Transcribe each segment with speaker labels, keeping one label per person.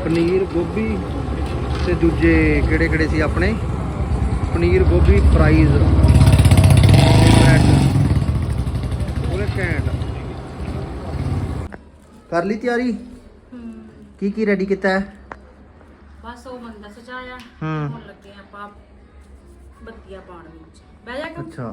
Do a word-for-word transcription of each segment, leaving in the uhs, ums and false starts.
Speaker 1: ਪਨੀਰ ਗੋਭੀ ਤੇ ਦੂਜੇ ਕਿਹੜੇ ਕਿਹੜੇ ਸੀ ਆਪਣੇ ਪਨੀਰ ਗੋਭੀ ਫਰਾਈਜ਼ ਬ੍ਰੈਡ ਉਹਨੇ ਘੈਂਟ ਕਰ ਲਈ ਤਿਆਰੀ। ਕੀ ਕੀ ਰੈਡੀ ਕੀਤਾ ਹੈ?
Speaker 2: ਬਸ ਉਹ ਮੰਦਰ ਸਜਾਇਆ
Speaker 1: ਹੂੰ
Speaker 2: ਹੁਣ ਲੱਗੇ ਆਪਾਂ ਬੱਤੀਆਂ ਪਾਉਣ ਵਿੱਚ। ਬਹਿ ਜਾ ਕੇ
Speaker 1: ਅੱਛਾ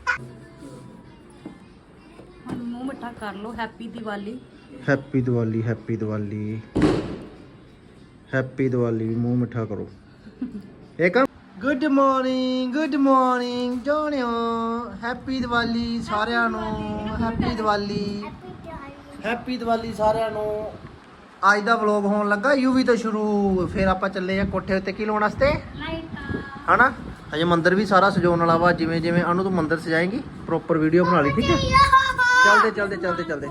Speaker 2: ਹੁਣ ਮੂੰਹ ਮਿੱਠਾ ਕਰ ਲਓ। Happy Diwali.
Speaker 1: Happy Diwali happy Diwali happy Diwali ਮੂੰਹ ਮਿੱਠਾ ਕਰੋ। ਇੱਕ ਗੁੱਡ ਮਾਰਨਿੰਗ ਗੁੱਡ ਮਾਰਨਿੰਗ ਜੋਨਿਓ ਹੈਪੀ ਦੀਵਾਲੀ ਸਾਰਿਆਂ ਨੂੰ। ਹੈਪੀ ਦੀਵਾਲੀ ਹੈਪੀ ਦੀਵਾਲੀ ਸਾਰਿਆਂ ਨੂੰ। ਅੱਜ ਦਾ ਵਲੌਗ ਹੋਣ ਲੱਗਾ ਯੂਵੀ ਤੋਂ ਸ਼ੁਰੂ। ਫਿਰ ਆਪਾਂ ਚੱਲੇ ਆ ਕੋਠੇ ਉੱਤੇ ਕੀ ਲਾਉਣ ਵਾਸਤੇ
Speaker 2: ਲਾਈਟਾਂ
Speaker 1: ਹਨਾ। ਅਜੇ ਮੰਦਿਰ ਵੀ ਸਾਰਾ ਸਜਾਉਣ ਵਾਲਾ ਵਾ। ਜਿਵੇਂ ਜਿਵੇਂ ਅਨੂ ਤੂੰ ਮੰਦਿਰ ਸਜਾਏਂਗੀ ਪ੍ਰੋਪਰ ਵੀਡੀਓ ਬਣਾ ਲਈ ਠੀਕ ਹੈ। ਚੱਲਦੇ ਚੱਲਦੇ ਚੱਲਦੇ ਚੱਲਦੇ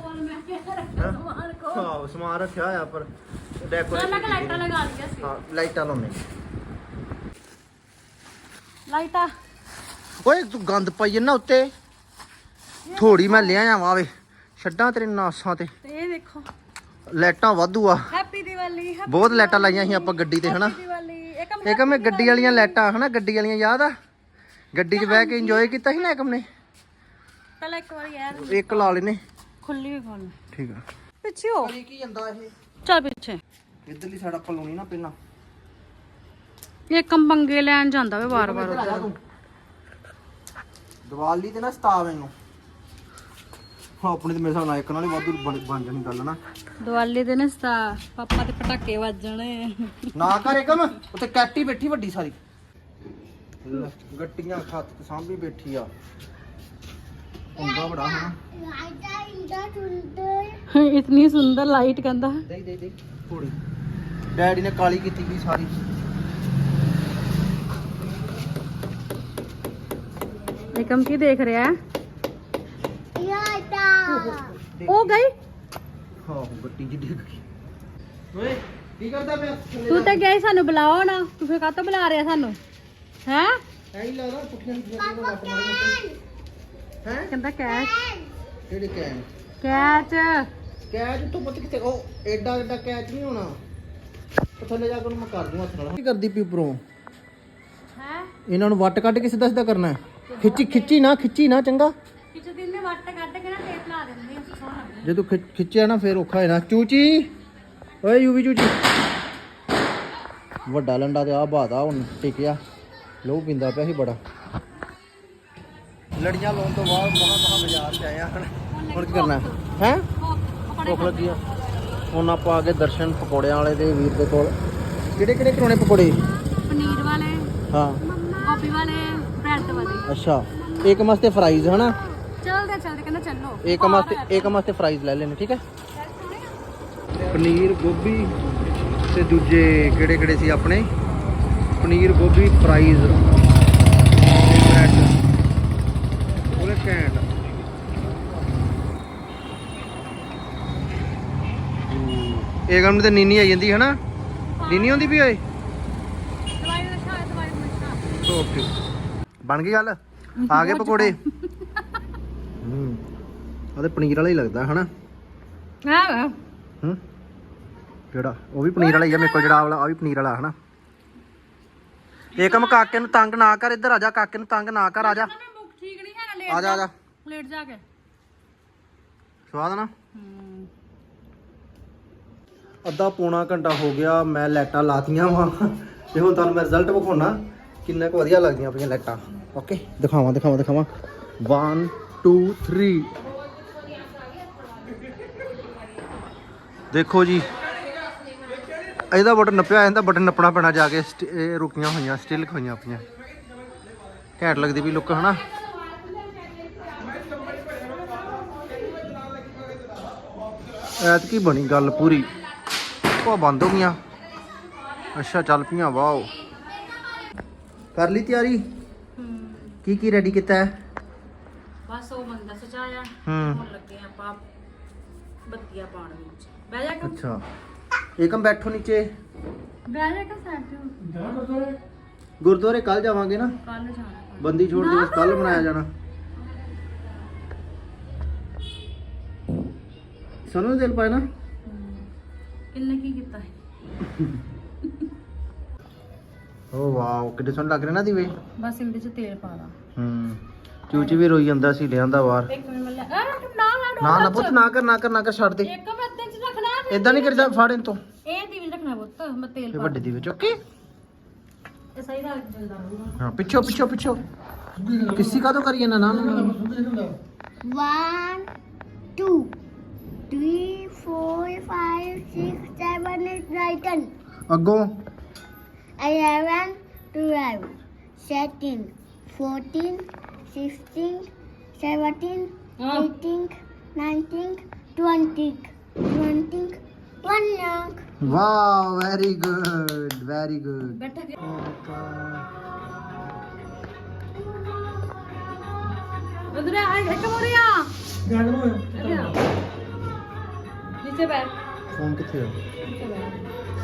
Speaker 1: ਹਾਂ ਸਮਾਨ ਰੱਖਿਆ ਹੋਇਆ ਪਰ ਡੈਕੋਰੇਸ਼ਨ
Speaker 2: ਲਾਈਟਾਂ ਲਗਾ ਲਈਆਂ ਸੀ।
Speaker 1: ਹਾਂ ਲਾਈਟਾਂ ਲਾਉਣੇ।
Speaker 2: ਲਾਈਟਾਂ
Speaker 1: ਓਏ ਤੂੰ ਗੰਦ ਪਾਈ ਨਾ ਉੱਤੇ ਥੋੜੀ ਮੈਂ ਲਿਆ ਆਵਾਂ ਵੇ ਛੱਡਾਂ ਤੇਰੇ ਨਾਸਾਂ ਤੇ।
Speaker 2: ਤੇ ਇਹ ਦੇਖੋ
Speaker 1: ਲਾਈਟਾਂ ਵਾਧੂ ਆ।
Speaker 2: ਹੈਪੀ ਦੀਵਾਲੀ।
Speaker 1: ਬਹੁਤ ਲਾਈਟਾਂ ਲਾਈਆਂ ਸੀ ਆਪਾਂ ਗੱਡੀ ਤੇ ਹਨਾ।
Speaker 2: ਦੀਵਾਲੀ ਇੱਕ
Speaker 1: ਏਕਮ ਮੈਂ ਗੱਡੀ ਵਾਲੀਆਂ ਲਾਈਟਾਂ ਹਨਾ ਗੱਡੀ ਵਾਲੀਆਂ ਯਾਦ ਆ ਗੱਡੀ 'ਚ ਬਹਿ ਕੇ ਇੰਜੋਏ ਕੀਤਾ ਸੀ ਨਾ ਏਕਮ ਨੇ।
Speaker 2: ਪਹਿਲਾਂ ਇੱਕ ਵਾਰੀ ਯਾਰ
Speaker 1: ਇੱਕ ਲਾ ਲੈਨੇ
Speaker 2: ਖੁੱਲੀ ਵੀ ਖੋਲ
Speaker 1: ਠੀਕ ਆ।
Speaker 2: ਪਿੱਛੇ ਹੋ
Speaker 1: ਕੀ ਜਾਂਦਾ ਇਹ
Speaker 2: ਚੱਲ ਪਿੱਛੇ।
Speaker 1: ਇਧਰਲੀ ਸਾਈਡ ਆਪਾਂ ਲਾਉਣੀ ਨਾ ਪਹਿਲਾਂ।
Speaker 2: ਇਹ ਕੰਮ ਪੰਗੇ ਲੈਣ ਜਾਂਦਾ ਵੇ ਵਾਰ ਵਾਰ ਉੱਧਰ।
Speaker 1: ਦੀਵਾਲੀ ਤੇ ਨਾ ਸਤਾ ਮੈਨੂੰ ਹਾਂ ਆਪਣੇ ਤੇ ਮੇਰੇ ਹਿਸਾਬ ਨਾਲ ਇੱਕ ਨਾਲ ਹੀ ਵਾਧੂ ਬਣ ਬਣ ਜਾਣੀ ਗੱਲ ਨਾ।
Speaker 2: ਦੀਵਾਲੀ ਦੇ ਨਸਤਾ ਪਾਪਾ ਦੇ ਪਟਾਕੇ ਵੱਜਣੇ
Speaker 1: ਨਾ ਕਰ ਏਕਮ ਉੱਤੇ ਕੈਟੀ ਬੈਠੀ ਵੱਡੀ ਸਾਰੀ ਗੱਟੀਆਂ ਖੱਤ ਸਾਂਭੀ ਬੈਠੀ ਆ। ਹੁੰਦਾ ਬੜਾ ਹਨਾ।
Speaker 2: ਇਤਨੀ ਸੁੰਦਰ ਲਾਈਟ ਕਹਿੰਦਾ।
Speaker 1: ਦੇ ਦੇ ਦੇ ਥੋੜੀ ਡੈਡੀ ਨੇ ਕਾਲੀ ਕੀਤੀ ਵੀ ਸਾਰੀ।
Speaker 2: ਏਕਮ ਕੀ ਦੇਖ ਰਿਹਾ ਹੈ? ਉਹ ਗਈ
Speaker 1: ਹਾਂ ਗੱਟੀ ਜੀ ਡਿੱਗ ਗਈ। ਓਏ ਕੀ ਕਰਦਾ ਪਿਆ
Speaker 2: ਤੂੰ ਤਾਂ ਗਿਆ ਸੀ ਸਾਨੂੰ ਬੁਲਾਓ ਨਾ। ਤੂੰ ਫੇਰ ਕਾਹਤੋਂ ਬੁਲਾ ਰਿਹਾ ਸਾਨੂੰ ਹੈ?
Speaker 1: ਐਂ ਹੀ ਲੱਗਦਾ ਪੁੱਠੀਆਂ ਪੁੱਠੀਆਂ ਤੋਂ ਲੱਤ ਮਾਰੀ ਮੋਟੇ ਹੈ।
Speaker 2: ਕਹਿੰਦਾ ਕੈਚ
Speaker 1: ਕਿਹੜੇ ਕੈਨ
Speaker 2: ਕੈਚ
Speaker 1: ਕੈਚ ਤੋਂ ਪਤਾ ਕਿੱਥੇ ਉਹ ਐਡਾ ਐਡਾ ਕੈਚ ਨਹੀਂ ਹੋਣਾ। ਉਹ ਥੱਲੇ ਜਾ ਕੇ ਉਹਨੂੰ ਮੈਂ ਕਰ ਦੂੰ ਹੱਥ ਨਾਲ। ਕੀ ਕਰਦੀ ਪਈ ਉੱਪਰੋਂ
Speaker 2: ਹੈ?
Speaker 1: ਇਹਨਾਂ ਨੂੰ ਵੱਟ ਕੱਢ ਕੇ ਸਿੱਧਾ ਸਿੱਧਾ ਕਰਨਾ ਹੈ। ਖਿੱਚੀ ਖਿੱਚੀ ਨਾ ਖਿੱਚੀ ਨਾ ਚੰਗਾ।
Speaker 2: ਕਿਸੇ ਦਿਨ ਨੇ ਵੱਟ ਕੱਢ ਕੇ ਨਾ ਟੇਪ ਲਾ ਦਿੰਦੇ ਆ ਸੋਹਣਾ।
Speaker 1: ਜੇ ਤੂੰ ਖਿ- ਖਿੱਚਿਆ ਨਾ ਫੇਰ ਔਖਾ ਹੈ ਨਾ। ਚੂਚੀ ਓਏ ਯੂਵੀ ਚੂਚੀ ਵੱਡਾ ਲੰਡਾ ਤੇ ਆ ਬਾਦਾ ਹੁਣ ਟਿਕਿਆ ਲਹੂ ਪੀਂਦਾ ਪਿਆ ਸੀ ਬੜਾ। ਲੜੀਆਂ ਲਾਉਣ ਤੋਂ ਬਾਅਦ ਮਹਾ ਮਹਾ ਬਾਜ਼ਾਰ ਚ ਆਏ ਆ ਹੁਣ ਹੁਣ ਕੀ ਕਰਨਾ ਹੈ? ਭੁੱਖ ਲੱਗੀ ਆ। ਹੁਣ ਆਪਾਂ ਆ ਗਏ ਦਰਸ਼ਨ ਪਕੌੜਿਆਂ ਵਾਲੇ ਦੇ ਵੀਰ ਦੇ ਕੋਲ। ਕਿਹੜੇ ਕਿਹੜੇ ਕਰਾਉਣੇ ਪਕੌੜੇ?
Speaker 2: ਪਨੀਰ ਵਾਲੇ
Speaker 1: ਹਾਂ
Speaker 2: ਗੋਭੀ ਵਾਲੇ ਬ੍ਰੈਡ ਵਾਲੇ।
Speaker 1: ਅੱਛਾ ਇੱਕ ਮਸਤੇ ਫਰਾਈਜ਼ ਹਨਾ।
Speaker 2: ਚਲਦੇ ਚਲਦੇ ਕਹਿੰਦਾ ਚੱਲੋ।
Speaker 1: ਇੱਕ ਮਸਤੇ ਇੱਕ ਮਸਤੇ ਫਰਾਈਜ਼ ਲੈ ਲੈਣੇ ਠੀਕ ਹੈ। ਪਨੀਰ ਗੋਭੀ ਤੇ ਦੂਜੇ ਕਿਹੜੇ ਕਿਹੜੇ ਸੀ ਆਪਣੇ ਪਨੀਰ ਗੋਭੀ ਫਰਾਈਜ਼ ਬ੍ਰੈਡ ਉਹਨੇ ਘੈਂਟ। ਇਹ ਕੰਮ ਤੇ ਨੀਨੀ ਆ ਜਾਂਦੀ ਹਨਾ। ਨੀਨੀ ਹੁੰਦੀ ਵੀ ਓਏ।
Speaker 2: ਦਵਾਈ ਦਾ ਸ਼ਾਇਦ ਦਵਾਈ ਦਾ ਸ਼ਾਇਦ।
Speaker 1: ਓਕੇ ਬਣ ਗਈ ਗੱਲ। ਆ ਗਏ ਪਕੌੜੇ। ਹੂੰ ਉਹਦੇ ਪਨੀਰ ਵਾਲਾ ਹੀ ਲੱਗਦਾ ਹਨਾ।
Speaker 2: ਹਾਂ
Speaker 1: ਹੂੰ ਕਿਹੜਾ ਉਹ ਵੀ ਪਨੀਰ ਵਾਲਾ ਹੀ ਆ ਮੇਰੇ ਕੋਲ ਜਿਹੜਾ ਵਾਲਾ ਆ ਵੀ ਪਨੀਰ ਵਾਲਾ ਹਨਾ। ਇਹ ਕੰਮ ਕਾਕੇ ਨੂੰ ਤੰਗ ਨਾ ਕਰ। ਇੱਧਰ ਆ ਜਾ ਕਾਕੇ ਨੂੰ ਤੰਗ ਨਾ ਕਰ। ਆ ਜਾ
Speaker 2: ਠੀਕ ਨਹੀਂ ਹੈਗਾ। ਲੇਟ
Speaker 1: ਆ ਜਾ ਆ ਜਾ
Speaker 2: ਲੇਟ ਜਾ ਕੇ
Speaker 1: ਸਵਾਦ ਨਾ। ਅੱਧਾ ਪੌਣਾ ਘੰਟਾ ਹੋ ਗਿਆ ਮੈਂ ਲਾਈਟਾਂ ਲਾਤੀਆਂ ਵਾ ਤੇ ਹੁਣ ਤੁਹਾਨੂੰ ਮੈਂ ਰਿਜ਼ਲਟ ਵਿਖਾਉਣਾ ਕਿੰਨਾ ਕੁ ਵਧੀਆ ਲੱਗਦੀਆਂ ਪਈਆਂ ਲਾਈਟਾਂ। ਓਕੇ ਦਿਖਾਵਾਂ ਦਿਖਾਵਾਂ ਦਿਖਾਵਾਂ ਵਨ ਟੂ ਥ੍ਰੀ ਦੇਖੋ ਜੀ। ਇਹਦਾ ਬਟਨ ਨੱਪਿਆ ਇਹਦਾ ਬਟਨ ਨੱਪਣਾ ਪੈਣਾ ਜਾ ਕੇ। ਇਹ ਰੁਕੀਆਂ ਹੋਈਆਂ ਸਟਿਲ ਹੋਈਆਂ ਆਪਣੀਆਂ ਘੈਂਟ ਲੱਗਦੀ ਵੀ ਲੁੱਕ ਹਨਾ। ਐਤਕੀ ਬਣੀ ਗੱਲ ਪੂਰੀ। ਉਹ ਬੰਦ ਹੋ ਗਈਆਂ। ਅੱਛਾ ਚੱਲ ਪਈਆਂ। ਵਾਓ ਕਰ ਲਈ ਤਿਆਰੀ। ਕੀ ਕੀ ਰੈਡੀ ਕੀਤਾ ਹੈ?
Speaker 2: ਬਸ ਉਹ ਮੰਦਰ ਸਜਾਇਆ
Speaker 1: ਹੂੰ
Speaker 2: ਹੁਣ ਲੱਗੇ ਆਪਾਂ ਬੱਤੀਆਂ ਪਾਉਣ ਵਿੱਚ। ਬਹਿ ਜਾ ਕੇ
Speaker 1: ਅੱਛਾ ਏਕਮ ਬੈਠੋ ਨੀਚੇ।
Speaker 2: ਬਹਿ ਜਾ ਕੇ ਸਾਈਡ
Speaker 1: ਗੁਰਦੁਆਰੇ ਕੱਲ ਜਾਵਾਂਗੇ ਨਾ।
Speaker 2: ਕੱਲ ਜਾਣਾ
Speaker 1: ਬੰਦੀ ਛੋੜ ਦਿਵਸ ਕੱਲ ਮਨਾਇਆ ਜਾਣਾ। ਸਾਨੂੰ ਦਿਲ ਪਾਏ ਨਾ।
Speaker 2: ਕਿੰਨੇ ਕੀ ਕੀਤਾ ਹੈ?
Speaker 1: ਓ ਵਾਓ ਕਿੱਡੇ ਸੋਹਣੇ ਲੱਗ ਰਹੇ ਨਾ ਦੀਵੇ।
Speaker 2: ਬਸ ਇਹਦੇ ਚ ਤੇਲ ਪਾ ਲਾ।
Speaker 1: ਹੂੰ ਚੂਚੀ ਵੀ ਰੋਈ ਜਾਂਦਾ ਸੀ ਲਿਆਂਦਾ ਬਾਹਰ।
Speaker 2: ਇੱਕ ਮਿੰਟ ਮੱਲਾ ਆ ਨਾ ਨਾ
Speaker 1: ਨਾ ਨਾ ਪੁੱਤ ਨਾ ਕਰ ਨਾ ਕਰ ਨਾ ਕਰ ਛੱਡ ਦੇ।
Speaker 2: ਇੱਕ ਮੈਂ ਅੱਧੇ ਚ ਰੱਖਣਾ ਫਿਰ
Speaker 1: ਇਦਾਂ ਨਹੀਂ ਕਰੀਦਾ ਫੜ ਇਹਨੂੰ ਤੋਂ।
Speaker 2: ਇਹ ਦੀਵੇ ਰੱਖਣਾ ਪੁੱਤ ਮੈਂ ਤੇਲ
Speaker 1: ਇਹ
Speaker 2: ਪਾ
Speaker 1: ਵੱਡੇ ਦੀਵੇ ਚੁੱਕ ਕੇ
Speaker 2: ਇਹ ਸਹੀ ਨਾਲ ਜਲਦਾ ਰਹੂਗਾ।
Speaker 1: ਹਾਂ ਪਿੱਛੋਂ ਪਿੱਛੋਂ ਪਿੱਛੋਂ ਕਿਸੀ ਕਾ ਤੋਂ ਕਰੀਏ ਨਾ ਨਾ ਨਾ
Speaker 3: One, two, three, four, five, six, seven, eight, nine,
Speaker 1: ਅੱਗੋਂ
Speaker 3: eleven, twelve, thirteen, fourteen, sixteen, seventeen, eighteen, nineteen, twenty, twenty, one.
Speaker 1: Wow very good very good.
Speaker 2: ਬੈਠਾ ਕੇ ਉਧਰ ਆ ਇੱਕ ਮੋਰੀਆ ਗੱਲ ਨੂੰ ਨੀਚੇ ਬੈਠ
Speaker 1: ਫੋਨ ਕਿੱਥੇ ਆ?
Speaker 2: ਨੀਚੇ ਬੈਠ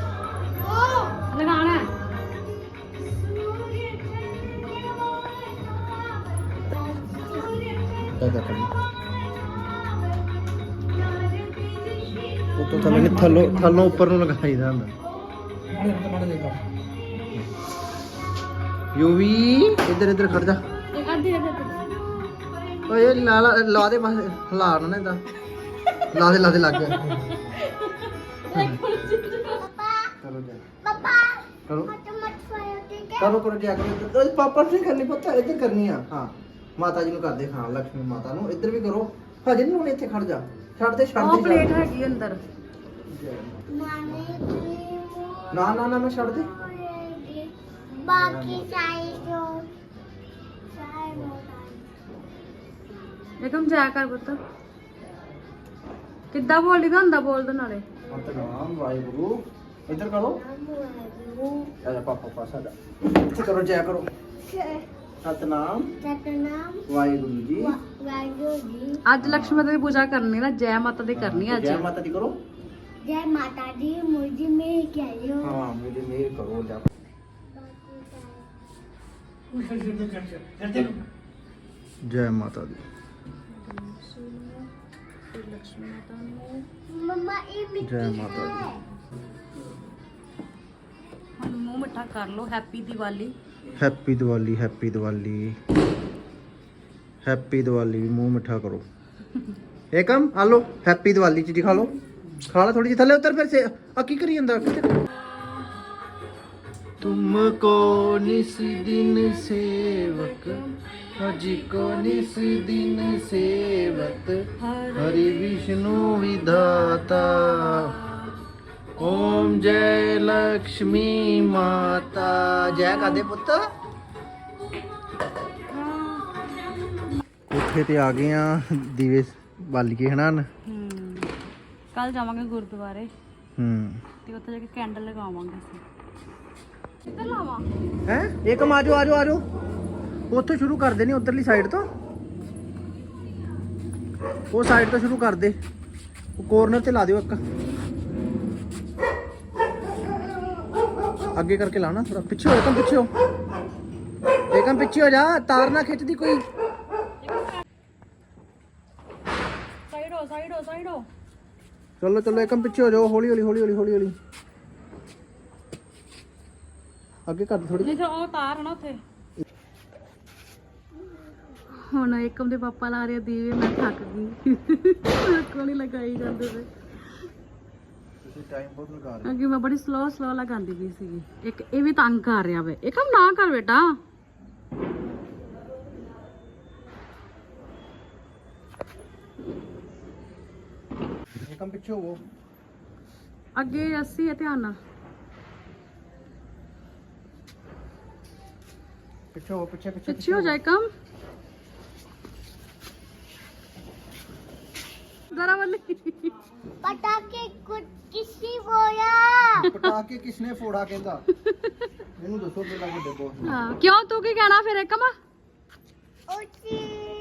Speaker 2: ਲਗਾਣਾ ਹੈ।
Speaker 1: क्या क्या करना वो तो थल्ले थल्लो थल्लों ऊपर ਨੂੰ ਲਗਾਈਦਾ ਹੁੰਦਾ। ਯੂਵੀ ਇੱਧਰ ਇੱਧਰ ਖੜ ਜਾ।
Speaker 2: ਇੱਕ ਅੱਧੀ ਅੱਧੀ
Speaker 1: ਓਏ ਲਾ ਲਾ ਲਾ ਦੇ ਬਸ ਹਿਲਾ ਨਾ ਨਾ ਇਦਾਂ ਲਾ ਦੇ ਲਾ ਦੇ ਲੱਗ ਗਿਆ। ਕਰੋ ਜਾ
Speaker 3: Papa,
Speaker 1: ਕਰੋ
Speaker 3: mata mat fire tiga.
Speaker 1: ਕਰੋ ਕਰੋ ਜਾ ਕਰੋ। ਓਏ ਪਾਪਾ ਸੇ ਕਰਨੀ ਪਤਾ ਇੱਧਰ ਕਰਨੀ ਆ। ਹਾਂ ਮਾਤਾ ਜੀ ਨੂੰ ਕਰਦੇ ਹਾਂ ਲక్ష్ਮੀ ਮਾਤਾ ਨੂੰ ਇੱਧਰ ਵੀ ਕਰੋ। ਹਜੇ ਨਹੀਂ ਹੁਣ ਇੱਥੇ ਖੜ ਜਾ ਛੱਡ ਦੇ ਛੱਡ
Speaker 2: ਉਹ
Speaker 1: ਦੇ
Speaker 2: ਪਲੇਟ ਹੈਗੀ ਅੰਦਰ।
Speaker 3: Mami krimu.
Speaker 1: ਨਾ ਨਾ ਨਾ ਨਾ ਛੱਡ ਦੇ।
Speaker 3: Baki sayur. Sayur.
Speaker 2: ਇੱਕਮ ਜਾ ਕਰ ਪੁੱਤ ਕਿੱਦਾਂ ਬੋਲੀ ਦਾ ਹੁੰਦਾ ਬੋਲ ਦੋ ਨਾਲੇ।
Speaker 1: ਸਤਨਾਮ ਵਾਹਿਗੁਰੂ ਇੱਧਰ ਕਰੋ।
Speaker 3: Namu.
Speaker 1: ਆਜਾ ਪਾਪਾ ਪਾਸਾ ਜਾ ਇੱਥੇ ਕਰੋ ਜੈ ਕਰੋ। ਸਤਨਾਮ
Speaker 3: Satanam.
Speaker 1: ਵਾਹਿਗੁਰੂ ਜੀ।
Speaker 3: Wahyu.
Speaker 2: ਅੱਜ ਲక్ష్ਮੀ ਮਾਤਾ ਦੀ ਪੂਜਾ ਕਰਨੀ ਨਾ ਜੈ ਮਾਤਾ ਦੀ ਕਰਨੀ ਅੱਜ।
Speaker 1: ਜੈ ਮਾਤਾ ਦੀ ਕਰੋ।
Speaker 3: Jai Mata Di, मुझे में क्या लो?
Speaker 1: ਹਾਂ ਮੇਰੇ ਮੇਰ ਕਰੋ ਜਾ। ਜੈ ਮਾਤਾ ਦੀ।
Speaker 2: ਲక్ష్ਮੀ ਮਾਤਾ ਨੂੰ
Speaker 3: मम्मा ये मिट्टी
Speaker 1: ਜੈ ਮਾਤਾ ਦੀ।
Speaker 3: है।
Speaker 2: ਹੁਣ ਮੂੰਹ ਮਿੱਠਾ ਕਰ ਲੋ। Happy Diwali.
Speaker 1: Happy Diwali happy Diwali happy Diwali ਮੂੰਹ ਮਿੱਠਾ ਕਰੋ। ਏਕਮ ਆ ਲੋ ਹੈਪੀ ਦੀਵਾਲੀ ਚੀਜ਼ ਖਾ ਲੋ ਖਾ ਲਾ ਥੋੜੀ ਜਿਹੀ ਥੱਲੇ ਉਤਰ ਫਿਰ ਸੇ ਆ ਕੀ ਕਰੀ ਜਾਂਦਾ ਤੁਮਕੋ ਨਿਸ ਦਿਨ ਸੇਵਕ ਹਜੀ ਕੋ ਨਿਸ ਦਿਨ ਸੇਵਤ ਹरि ਵਿष्णु विधाता ਓਮ ਜੈ ਲక్ష్ਮੀ ਮਾਤਾ ਜੈ ਕਾਦੇ ਪੁੱਤ। ਉੱਥੇ ਤੇ ਆ ਗਏ ਆ ਦੀਵੇ ਬਾਲੀਏ ਹਨਾ।
Speaker 2: ਹੂੰ ਕੱਲ ਜਾਵਾਂਗੇ ਗੁਰਦੁਆਰੇ
Speaker 1: ਹੂੰ
Speaker 2: ਤੇ ਉੱਥੇ ਜਾ ਕੇ ਕੈਂਡਲ ਲਗਾਵਾਂਗੇ ਅਸੀਂ। ਕਿੱਧਰ ਲਾਵਾਂ?
Speaker 1: ਹੈ ਏਕਮ ਆਜੋ ਆਜੋ ਆਜੋ ਉੱਥੋਂ ਸ਼ੁਰੂ ਕਰਦੇ ਨੇ ਉਧਰਲੀ ਸਾਈਡ ਤੋਂ। ਉਹ ਸਾਈਡ ਤੋਂ ਸ਼ੁਰੂ ਕਰ ਦੇ ਉਹ ਕੋਰਨਰ ਤੇ ਲਾ ਦਿਓ ਇੱਕ ਅੱਗੇ ਕਰਕੇ ਲਾਣਾ ਥੋੜਾ ਪਿੱਛੇ ਹੋ ਏਕਮ ਪਿੱਛੇ ਹੋ ਏਕਮ ਪਿੱਛੇ ਹੋ ਜਾ ਤਾਰ ਨਾ ਖਿੱਚਦੀ ਕੋਈ।
Speaker 2: ਸਾਈਡ ਹੋ ਸਾਈਡ ਹੋ ਸਾਈਡ ਹੋ।
Speaker 1: ਚਲੋ ਚਲੋ ਏਕਮ ਪਿੱਛੇ ਹੋ ਜਾਓ ਹੌਲੀ ਹੌਲੀ ਹੌਲੀ ਹੌਲੀ ਹੌਲੀ ਹੌਲੀ ਅੱਗੇ ਕਰ ਥੋੜੀ।
Speaker 2: ਨਹੀਂ ਤਾਂ ਉਹ ਤਾਰ ਹੈ ਨਾ ਉੱਥੇ। ਹੁਣ ਏਕਮ ਦੇ ਪਾਪਾ ਲਾ ਰਹੇ ਦੀਵੇ ਮੈਂ ਥੱਕ ਗਈ। ਮੇਰੇ ਕੋਲ ਨਹੀਂ ਲਗਾਈ ਜਾਂਦੇ ਤੇ
Speaker 1: ਤੁਸੀਂ ਟਾਈਮ ਬਹੁਤ ਲਗਾ ਰਹੇ
Speaker 2: ਅੱਗੇ ਮੈਂ ਬੜੀ ਸਲੋ ਸਲੋ ਲਗਾਉਂਦੀ ਪਈ ਸੀਗੀ। ਇੱਕ ਇਹ ਵੀ ਤੰਗ ਕਰ ਰਿਹਾ ਵੇ। ਏਕਮ ਨਾ ਕਰ ਬੇਟਾ।
Speaker 1: ਏਕਮ ਪਿੱਛੇ ਹੋ
Speaker 2: ਅੱਗੇ ਅਸੀਂ ਇਹ ਧਿਆਨ ਨਾਲ
Speaker 1: ਪਿੱਛੇ ਹੋ ਪਿੱਛੇ ਪਿੱਛੇ
Speaker 2: ਪਿੱਛੇ ਹੋ ਜਾਏ ਕਮ ਜ਼ਰਾ ਵੱਲ।
Speaker 3: पटाखे कुछ किसी बोया।
Speaker 1: ਪਟਾਕੇ ਕਿਸਨੇ ਫੋੜਾ ਕਹਿੰਦਾ ਇਹਨੂੰ ਦੱਸੋ ਪਹਿਲਾਂ ਵੱਡੇ ਬੋਸ
Speaker 2: ਹਾਂ ਕਿਉਂ ਤੂੰ ਕੀ ਕਹਿਣਾ ਫਿਰ ਏਕਮ?
Speaker 3: उसी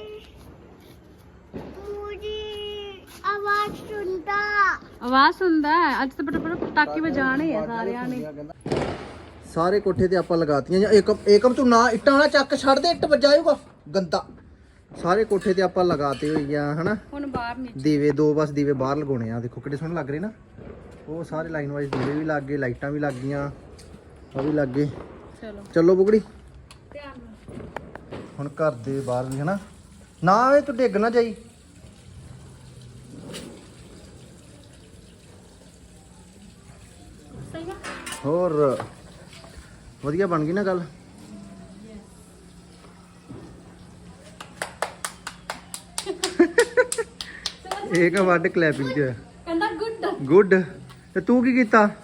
Speaker 3: पूरी आवाज सुनता।
Speaker 2: ਆਵਾਜ਼ ਸੁਣਦਾ ਹੈ। ਅੱਜ ਤਾਂ ਬੜਾ ਬੜਾ ਪਟਾਕੇ ਵਜਾਣੇ ਆ ਸਾਰਿਆਂ ਨੇ।
Speaker 1: ਸਾਰੇ ਕੋਠੇ ਤੇ ਆਪਾਂ ਲਗਾਤੀਆਂ ਜਾਂ ਏਕਮ ਏਕਮ ਤੂੰ ਨਾ ਇੱਟਾਂ ਵਾਲਾ ਚੱਕ ਛੱਡ ਦੇ ਇੱਟ ਵੱਜਾਊਗਾ ਗੰਦਾ। ਸਾਰੇ ਕੋਠੇ ਤੇ ਆਪਾਂ ਲਗਾਤੇ ਹੋਈ ਆ ਹਨਾ
Speaker 2: ਹੁਣ ਬਾਹਰ ਨੀਚੇ
Speaker 1: ਦੀਵੇ ਦੋ ਬਸ ਦੀਵੇ ਬਾਹਰ ਲਗਾਉਣੇ ਆ ਦੇਖੋ ਕਿੱਡੇ ਸੋਹਣੇ ਲੱਗ ਰਹੇ ਨਾ। ਉਹ ਸਾਰੇ ਲਾਈਨ ਵਾਈਜ਼ ਦੀਵੇ ਵੀ ਲੱਗ ਗਏ, ਲਾਈਟਾਂ ਵੀ ਲੱਗ ਗਈਆਂ, ਉਹ ਵੀ ਲੱਗ ਗਏ।
Speaker 2: ਚਲੋ
Speaker 1: ਚਲੋ ਬੁਗੜੀ
Speaker 2: ਧਿਆਨ ਨਾਲ।
Speaker 1: ਹੁਣ ਘਰ ਦੇ ਬਾਹਰ ਵੀ ਹਨਾ, ਨਾ ਇਹ ਤੂੰ ਡਿੱਗ ਨਾ ਜਾਈ।
Speaker 2: ਸਹੀ ਆ।
Speaker 1: ਹੋਰ ਵਧੀਆ ਬਣ ਗਈ ਨਾ ਗੱਲ। ਇਹ ਕਾ ਵੱਡ ਕਲੈਪਿੰਗ ਚ
Speaker 2: ਕਹਿੰਦਾ ਗੁੱਡ।
Speaker 1: ਗੁੱਡ। ਤੇ ਤੂੰ ਕੀ ਕੀਤਾ?